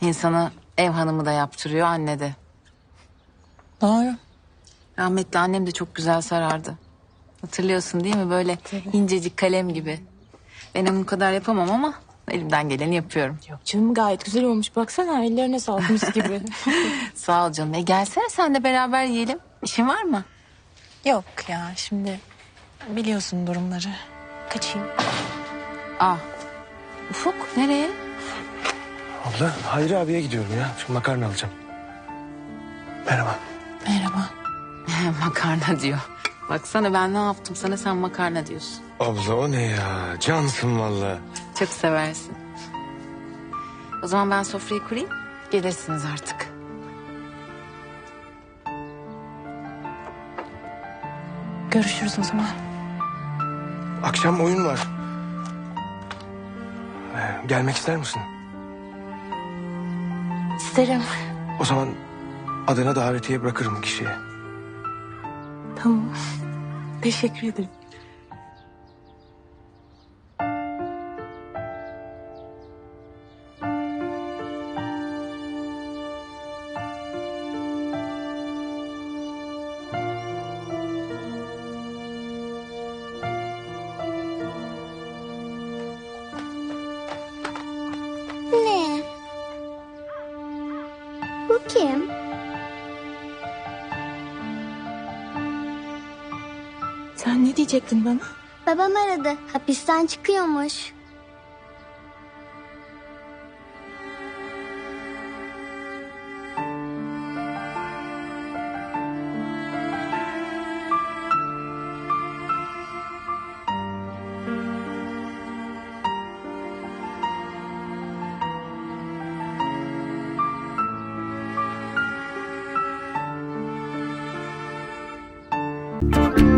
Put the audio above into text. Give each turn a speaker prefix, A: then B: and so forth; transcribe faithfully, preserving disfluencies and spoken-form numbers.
A: İnsanı ev hanımı da yaptırıyor, anne de.
B: Doğru.
A: Rahmetli annem de çok güzel sarardı. Hatırlıyorsun değil mi? Böyle incecik kalem gibi. Ben onun kadar yapamam ama elimden geleni yapıyorum.
B: Yok canım, gayet güzel olmuş. Baksana, ellerine sağlık, mis gibi.
A: Sağ ol canım. E gelsene sen de beraber yiyelim. İşin var mı?
B: Yok ya, şimdi biliyorsun durumları. Kaçayım.
A: Aa, Ufuk nereye?
C: Abla Hayri abiye gidiyorum ya. Şimdi makarna alacağım. Merhaba.
B: Merhaba.
A: Makarna diyor. Baksana ben ne yaptım sana, sen makarna diyorsun.
C: Abla o ne ya? Cansın valla.
A: Çok seversin. O zaman ben sofrayı kurayım. Gelirsiniz artık.
B: Görüşürüz o zaman.
C: Akşam oyun var. Ee, gelmek ister misin?
B: İsterim.
C: O zaman adına davetiye bırakırım kişiye.
B: Tamam. Teşekkür ederim.
D: Ne? Bu kim?
B: Sen ne diyecektin bana?
D: Babam aradı. Hapisten çıkıyormuş. Müzik